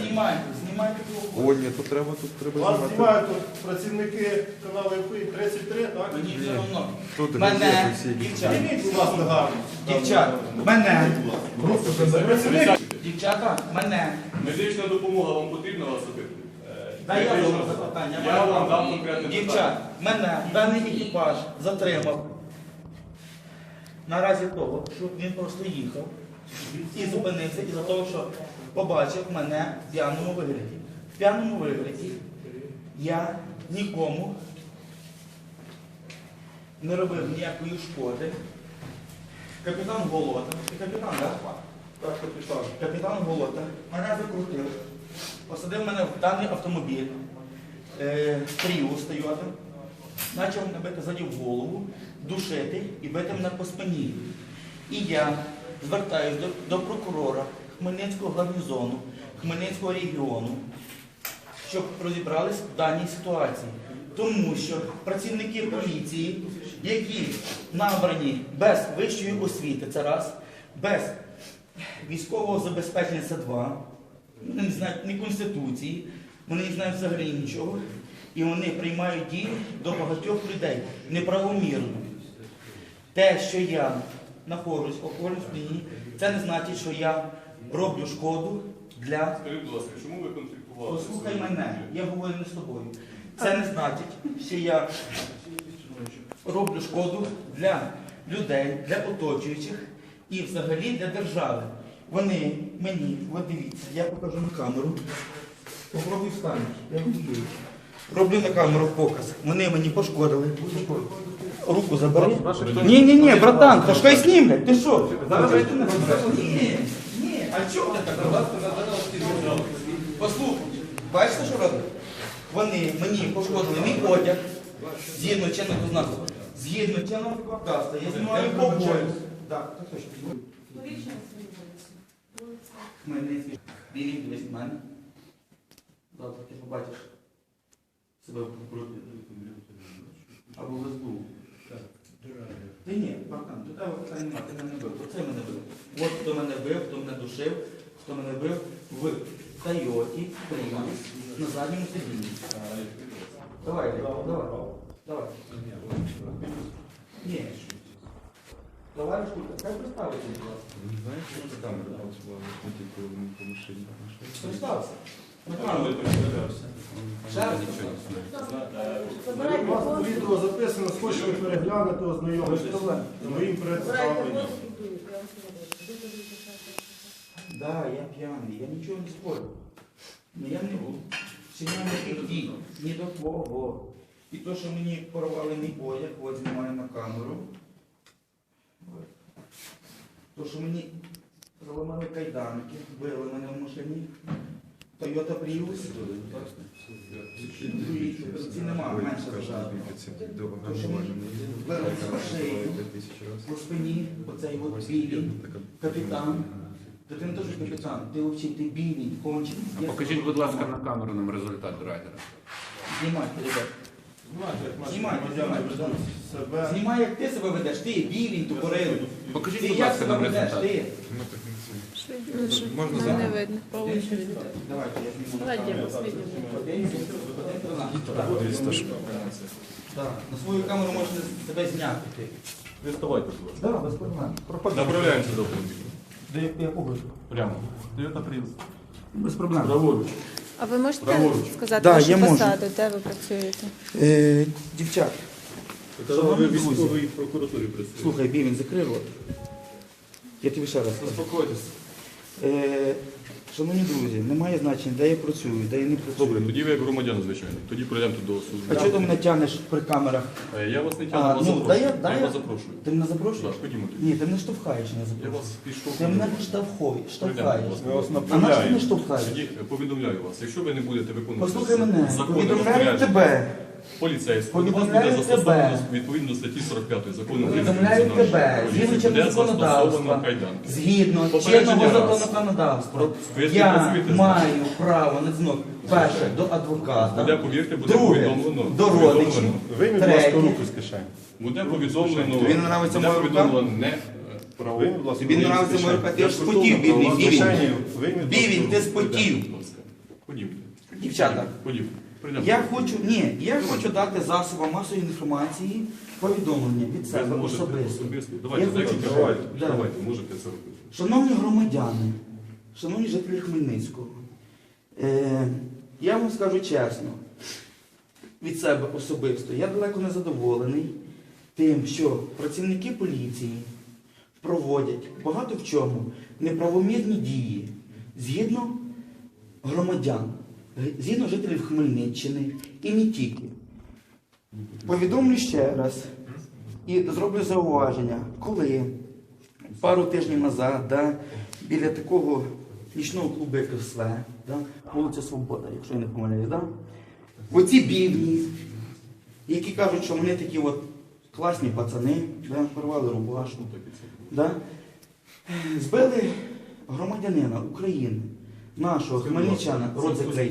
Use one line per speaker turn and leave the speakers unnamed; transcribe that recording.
Знімайте того.
О, ні, тут треба
Вас
знімати.
знімають тут працівники каналу ІПІ 33, так?
Мені все одно.
Тут
Мене,
газети всі.
дівчата,
Зніміть, будь ласка, гарно.
дівчата, мене,
Працівник.
дівчата, мене.
Медична допомога вам потрібна вас особисто?
Дай я вам запитання.
Я вам дам конкретне
Дівчат, мене даний екіпаж затримав на разі того, що він просто їхав і зупинився із-за того, що побачив мене в п'яному вигляді. В п'яному вигляді я нікому не робив ніякої шкоди. Капітан Голота, капітан, так? Так, капітан. Капітан Голота мене закрутив, посадив мене в даний автомобіль, Prius Toyota, почав мене бити ззаді в голову, душити і бити мене по спині. І я звертаюся до прокурора Хмельницького гарнізону, Хмельницького регіону, щоб розібрались в даній ситуації. Тому що працівники поліції, які набрані без вищої освіти, це раз, без військового забезпечення, це два, вони не знають ні Конституції, вони не знають взагалі нічого, і вони приймають дії до багатьох людей неправомірно. Те, що я знаходжусь в алкогольному сп'янінні, це не значить, що я роблю шкоду для...
Скажіть, будь ласка, чому ви конфліктували?
Послухай мене, я говорю не з тобою. Це не значить, що я роблю шкоду для людей, для оточуючих і взагалі для держави. Вони мені, от дивіться, я покажу на камеру. Попробуй встань, я говорю. Роблю на камеру показ. Вони мені пошкодили. Руку забери. Ні, братан, та що й знімлять? Ти що? Ні, а чого ти так робиш? Послухай, бачите, що роблять? Вони мені пошкодили мій одяг, згідно чинного закону. Згідно чинного законодавства, я знімаю побої. Так, так точно. Хмельницький. Білий дивись в мене. Завтра ти побачиш себе в групі. Або в СБУ. Ти ні, братан, до тебе питань немає, ти мене бив. Оце мене бив. От хто мене бив, хто мене душив, хто мене бив в Тойоті, Prius, на задньому сидінні. Давай. Ні. Давай, шкурка, хай представиться, будь ласка.
Знаєш, що це камера була тільки по машині?
Представся.
У вас відео записано, хочете переглянути, ознайомитися з моїм представленням.
Да, я п'яний, я нічого не спорю. Но я не був. Чиняв ніяких дій, ні до твого. І то, що мені порвали мій одяг, от знімаю на камеру. То, що мені заламали кайданки, били мене в машині. Toyota Prius. Ці нема, менше зажати. То, що мені били з шиї, по спині, оцей от білий капітан. Та ти не теж капітан, ти взагалі, ти білий, кончений.
Покажіть, будь ласка, на камеру нам результат драйдера.
Знімайте, ребят. Знімайте.
Себе.
Знімай, як ти себе ведеш, ти білий, тупорилий.
Покажіть,
Ти
будь
як
ласка,
себе
нам
ведеш,
результат.
ти?
Можна
Не
зараз?
видно, по очереди.
Давайте, я зніму.
Давайте я посвідчу.
Так, на свою камеру можете себе зняти. ти.
Ви вставайте, будь ласка.
Так, без проблем.
Направляємося до автомобіля.
Де я погоджу?
Прямо. Toyota Prius.
Без проблем.
Праворуч.
А ви можете
Праворуч.
сказати
Да,
вашу
я можу.
посаду, де ви працюєте?
Дівчат,
Ви в військовій прокуратурі працюєте.
слухай, Бівін, закрий рот. Я тобі ще раз скажу.
Заспокойтесь.
Шановні друзі, немає значення, де я працюю, де я не працюю.
Добре, тоді ви як громадян, звичайно. Тоді пройдемо тут до
А
служби.
чого ти мене тягнеш при камерах?
Я вас не
А,
тягну, вас
ну,
запрошую.
дай
Я
я-
вас запрошую.
Ти мене запрошуєш?
Так, ходімо тоді.
Ні, ти мене штовхаєш, не
Я
запрошуєш.
вас пішов.
Ти мене штовхаєш.
Ми вас
А на що ти
направляємо.
не штовхаєш?
Тоді повідомляю вас. Якщо ви не будете виконувати
Послухай мене,
законне
повідомляю
розпорядження
тебе.
поліцейського,
Повідомляю
вас буде застосовано
тебе.
відповідно до статті 45 закону України
Повідомляю
про національну
тебе,
поліцію,
згідно
буде
чинного
застосовано
законодавства,
кайданки.
згідно
Попередження
чинного
раз.
законодавства,
Ви ж не
я
працюєте з
маю право на дзвінок перше до адвоката,
Буде, повірте, буде
друге
повідомлено.
до родичів,
Вийміть, будь ласка,
третє.
руку з кишені.
Буде повідомлено.
Тобі не нравиться
буде
моя рука?
повідомлено не
Вийміть, будь ласка,
Тобі не
руку з
нравиться моя
кишені.
рука, ти ж спотів, бідний,
З
бівін.
кишені вийміть, будь ласка,
Бівін,
руку.
ти спотів.
Будь ласка. Ходімте.
Дівчата,
Ходімте. Прийдемо.
я хочу дати засобам масової інформації повідомлення від
Ви
себе
можете
особисто.
особисто. Давайте
Я хочу-
декілька
Давайте.
хвилин. Давайте, можете це робити.
Шановні громадяни, шановні жителі Хмельницького, я вам скажу чесно, від себе особисто, я далеко не задоволений тим, що працівники поліції проводять багато в чому неправомірні дії згідно громадян, згідно жителів Хмельниччини і не тільки. Повідомлю ще раз і зроблю зауваження, коли пару тижнів назад, біля такого нічного клубу, як СВ, вулиця Свобода, якщо я не помиляюсь, оці бівні, які кажуть, що вони такі от класні пацани, порвали рубашку, збили громадянина України, нашого хмельничана, рот закрий.